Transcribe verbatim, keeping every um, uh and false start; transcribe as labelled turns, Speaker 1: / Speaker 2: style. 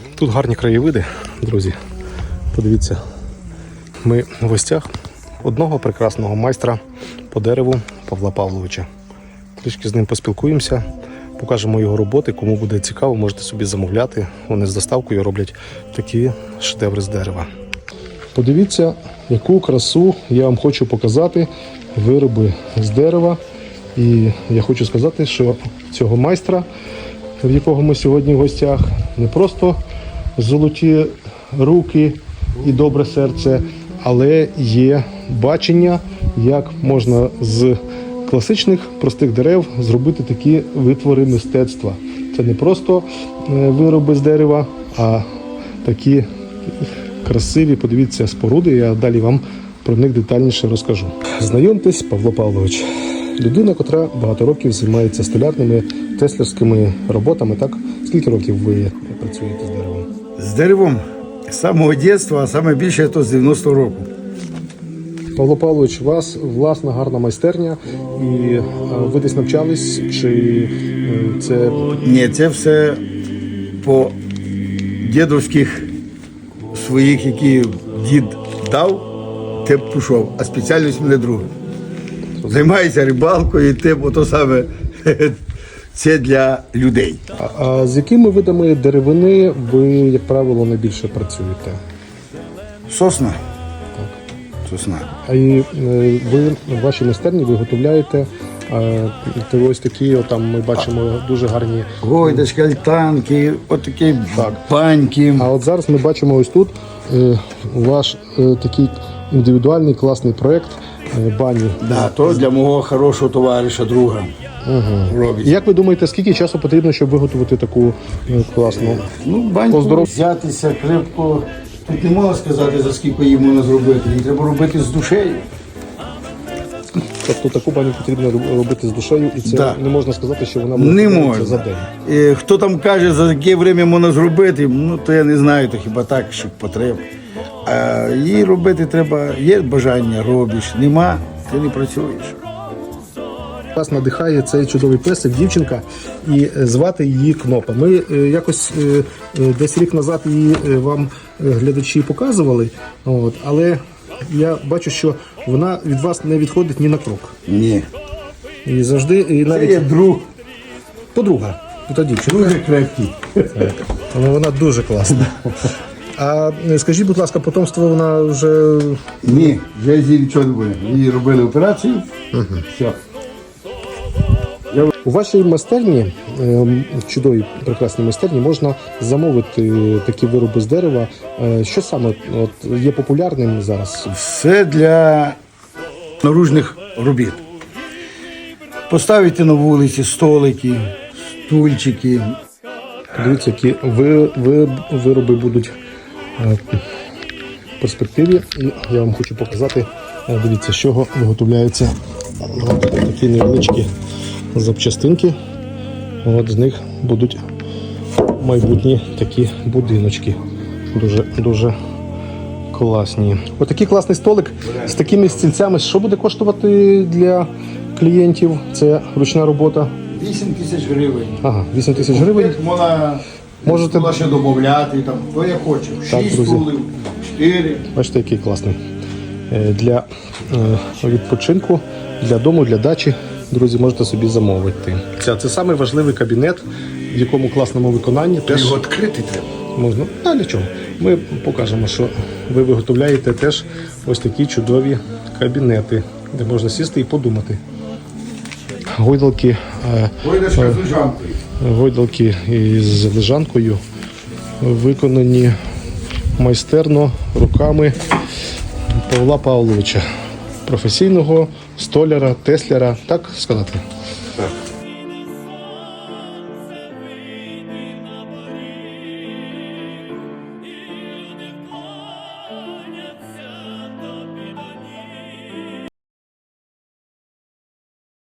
Speaker 1: Тут гарні краєвиди, друзі. Подивіться, ми в гостях одного прекрасного майстра по дереву Павла Павловича. Трішки з ним поспілкуємося, покажемо його роботи. Кому буде цікаво, можете собі замовляти. Вони з доставкою роблять такі шедеври з дерева. Подивіться, яку красу я вам хочу показати. Вироби з дерева. І я хочу сказати, що цього майстра, в якого ми сьогодні в гостях, не просто золоті руки і добре серце, але є бачення, як можна з класичних простих дерев зробити такі витвори мистецтва. Це не просто вироби з дерева, а такі красиві, подивіться, споруди. Я далі вам про них детальніше розкажу. Знайомтесь, Павло Павлович. Людина, котра багато років займається столярними, теслярськими роботами. Так? Скільки років ви працюєте з деревом?
Speaker 2: З деревом з самого дитинства, а саме більше то з дев'яностого року.
Speaker 1: Павло Павлович, у вас власна гарна майстерня, і ви десь навчались, чи це...
Speaker 2: Ні, це все по дідовських своїх, які дід дав, те пішов, а спеціальність мене друга. Займаюся рибалкою, те, то саме, це для людей.
Speaker 1: А, а з якими видами деревини ви, як правило, найбільше працюєте?
Speaker 2: Сосна. Сосна.
Speaker 1: А і ви в вашій майстерні виготовляєте а, ось такі, от, там ми бачимо дуже гарні...
Speaker 2: Гойдочки, альтанки, отакі
Speaker 1: Так.
Speaker 2: баньки.
Speaker 1: А от зараз ми бачимо ось тут е, ваш е, такий індивідуальний класний проєкт е, бані.
Speaker 2: Да, то для мого хорошого товариша, друга.
Speaker 1: Угу.
Speaker 2: Робить.
Speaker 1: Як ви думаєте, скільки часу потрібно, щоб виготовити таку е, класну?
Speaker 2: Ну, баньку
Speaker 1: Поздоров...
Speaker 2: взятися крепко. Тут не можна сказати, за скільки її можна зробити. Її треба робити з душею.
Speaker 1: Тобто таку баню потрібно робити з душею, і це
Speaker 2: Да.
Speaker 1: не можна сказати, що вона
Speaker 2: Не
Speaker 1: буде
Speaker 2: можна.
Speaker 1: за день.
Speaker 2: І хто там каже, за яке время можна зробити, ну то я не знаю, то хіба так, щоб потрібно. А її робити треба, є бажання, робиш, нема, ти не працюєш.
Speaker 1: Вас надихає цей чудовий песик, дівчинка, і звати її Кнопа. Ми е, якось е, е, десь рік назад її е, вам е, глядачі показували, от, але я бачу, що вона від вас не відходить ні на крок.
Speaker 2: Ні.
Speaker 1: І завжди, і
Speaker 2: Це
Speaker 1: навіть
Speaker 2: є друг,
Speaker 1: подруга, та дівчинка.
Speaker 2: дуже крепкий.
Speaker 1: Але вона дуже класна. А е, скажіть, будь ласка, потомство вона вже...
Speaker 2: Ні, вже з її нічого не буде. Її робили операцію, угу. Все.
Speaker 1: У вашій майстерні, в чудовій прекрасній майстерні, можна замовити такі вироби з дерева. Що саме от, є популярним зараз?
Speaker 2: Все для наружних робіт. Поставити на вулиці столики, стульчики.
Speaker 1: Подивіться, які ви, ви, вироби будуть в перспективі. І я вам хочу показати, дивіться, з чого виготовляються от такі невеличкі запчастинки. От з них будуть майбутні такі будиночки. Дуже, дуже класні. Ось такий класний столик з такими стільцями. Що буде коштувати для клієнтів? Це ручна робота.
Speaker 2: вісім тисяч гривень.
Speaker 1: Ага, вісім тисяч гривень.
Speaker 2: Можна,
Speaker 1: Можете-
Speaker 2: можна ще додати, там, хто я хочу.
Speaker 1: Так,
Speaker 2: Шість
Speaker 1: друзі.
Speaker 2: стулів, чотири.
Speaker 1: Бачите, який класний. Е, Для е, відпочинку, для дому, для дачі, друзі, можете собі замовити. Це, це самий важливий кабінет, в якому класному виконанні теж
Speaker 2: Його відкрити треба.
Speaker 1: можна. А для чого? Ми покажемо, що ви виготовляєте теж ось такі чудові кабінети, де можна сісти і подумати. Гойдалки, е,
Speaker 2: Гойдочка з лежанкою.
Speaker 1: гойдалки із лежанкою виконані майстерно руками Павла Павловича, професійного столяра, тесляра, так сказати?
Speaker 2: Так.